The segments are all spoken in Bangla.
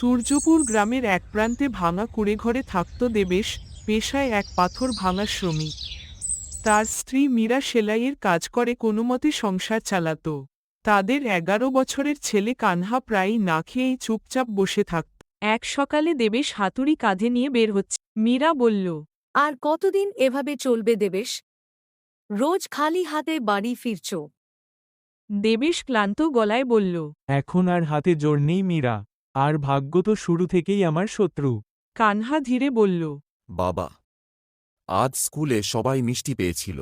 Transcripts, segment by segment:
সূর্যপুর গ্রামের এক প্রান্তে ভাঙা কুঁড়েঘরে থাকত দেবেশ, পেশায় এক পাথর ভাঙা শ্রমিক। তার স্ত্রী মীরা সেলাইয়ের কাজ করে কোনোমতে সংসার চালাত। তাদের 11 বছরের ছেলে কানহা প্রায়ই না খেয়েই চুপচাপ বসে থাকত। এক সকালে দেবেশ হাতুড়ি কাঁধে নিয়ে বের হচ্ছে। মীরা বলল, আর কতদিন এভাবে চলবে দেবেশ? রোজ খালি হাতে বাড়ি ফিরছ। দেবেশ ক্লান্ত গলায় বলল, এখন আর হাতে জোর নেই মীরা, আর ভাগ্য তো শুরু থেকেই আমার শত্রু। কানহা ধীরে বলল, বাবা, আজ স্কুলে সবাই মিষ্টি পেয়েছিল,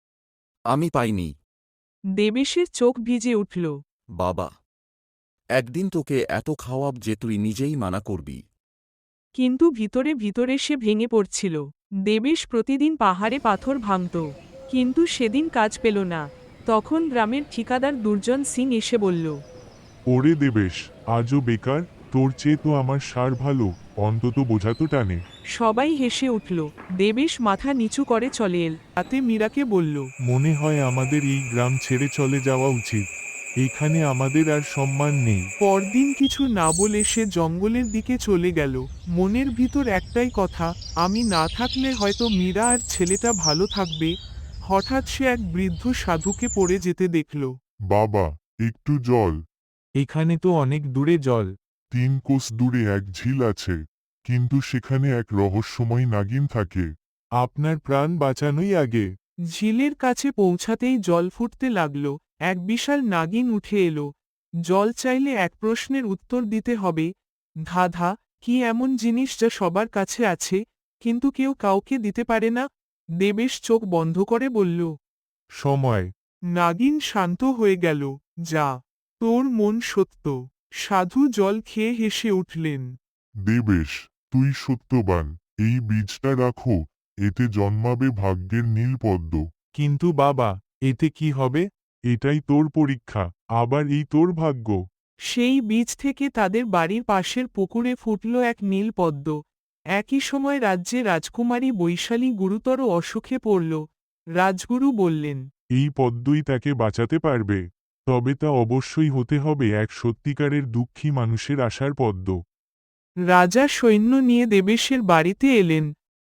আমি পাইনি। দেবেশের চোখ ভিজে উঠল। বাবা, একদিন তোকে এত খাওয়াব যে তুই নিজেই মানা করবি। কিন্তু ভিতরে ভিতরে সে ভেঙে পড়ছিল। দেবেশ প্রতিদিন পাহাড়ে পাথর ভাঙত, কিন্তু সেদিন কাজ পেল না। তখন গ্রামের ঠিকাদার দুর্জন সিং এসে বলল, ওরে দেবেশ, আজও বেকার? তোর চেয়ে তো আমার সার ভালো, অন্তত বোঝা তো টানে। সবাই হেসে উঠল। দেবেশ মাথা নিচু করে চলে এল। তাতে মীরাকে বলল, মনে হয় আমাদের এই গ্রাম ছেড়ে চলে যাওয়া উচিত। এখানে আমাদের আর সম্মান নেই। পরদিন কিছু না বলে সে জঙ্গলের দিকে চলে গেল। মনের ভিতর একটাই কথা, আমি না থাকলে হয়তো মীরা আর ছেলেটা ভালো থাকবে। হঠাৎ সে এক বৃদ্ধ সাধুকে পড়ে যেতে দেখল। বাবা, একটু জল। এখানে তো অনেক দূরে জল। 3 কোস দূরে এক ঝিল আছে, কিন্তু সেখানে এক রহস্যময় নাগিন থাকে। আপনার প্রাণ বাঁচানোই আগে। ঝিলের কাছে পৌঁছাতেই জল ফুটতে লাগল। এক বিশাল নাগিন উঠে এলো। জল চাইলে এক প্রশ্নের উত্তর দিতে হবে। ধাঁধা, কি এমন জিনিস যা সবার কাছে আছে, কিন্তু কেউ কাউকে দিতে পারে না? দেবেশ চোখ বন্ধ করে বলল। সময়। নাগিন শান্ত হয়ে গেল। যা, তোর মন সত্য। সাধু জল খেয়ে হেসে উঠলেন। দেবেশ, তুই সত্যবান। এই বীজটা রাখো, এতে জন্মাবে ভাগ্যের নীল পদ্ম। কিন্তু বাবা, এতে কি হবে? এটাই তোর পরীক্ষা, আবার এই তোর ভাগ্য। সেই বীজ থেকে তাদের বাড়ির পাশের পুকুরে ফুটল এক নীল পদ্ম। একই সময় রাজ্যে রাজকুমারী বৈশালী গুরুতর অসুখে পড়ল। রাজগুরু বললেন, এই পদ্মই তাকে বাঁচাতে পারবে। তবে তা অবশ্যই হতে হবে এক সত্যিকারের দুঃখী মানুষের আশার পদ্ম। রাজা সৈন্য নিয়ে দেবেশের বাড়িতে এলেন।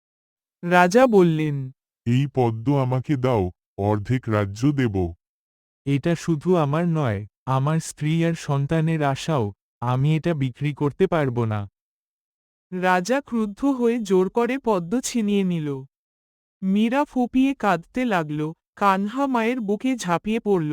রাজা বললেন, এই পদ্ম আমাকে দাও, অর্ধেক রাজ্য দেব। এটা শুধু আমার নয়, আমার স্ত্রী আর সন্তানের আশাও। আমি এটা বিক্রি করতে পারবো না। রাজা ক্রুদ্ধ হয়ে জোর করে পদ্ম ছিনিয়ে নিল। মীরা ফুপিয়ে কাঁদতে লাগল। কানহা মায়ের বুকে ঝাঁপিয়ে পড়ল।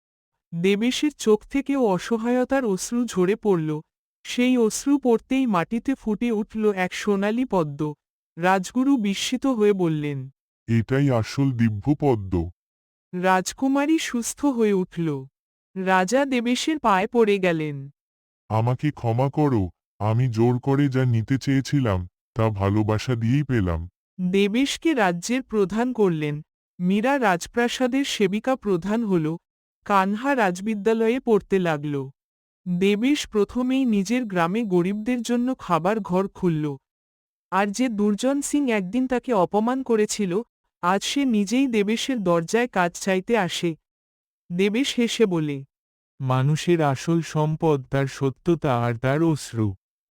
দেবেশের চোখ থেকেও অসহায়তার অশ্রু ঝরে পড়ল। সেই অশ্রু পড়তেই মাটিতে ফুটে উঠল এক সোনালি পদ্ম। রাজগুরু বিস্মিত হয়ে বললেন, এটাই আসল দিব্য পদ্ম। রাজকুমারী সুস্থ হয়ে উঠল। রাজা দেবেশের পায়ে পড়ে গেলেন। আমাকে ক্ষমা করো, আমি জোর করে যা নিতে চেয়েছিলাম তা ভালোবাসা দিয়েই পেলাম। দেবেশকে রাজ্যের প্রধান করলেন। মীরা রাজপ্রাসাদের সেবিকা প্রধান হল। কানহা রাজবিদ্যালয়ে পড়তে লাগল। দেবেশ প্রথমেই নিজের গ্রামে গরিবদের জন্য খাবার ঘর খুলল। আর যে দুর্জন সিং একদিন তাকে অপমান করেছিল, আজ সে নিজেই দেবেশের দরজায় কাজ চাইতে আসে। দেবেশ হেসে বলে, মানুষের আসল সম্পদ তার সত্যতা আর তার অশ্রু।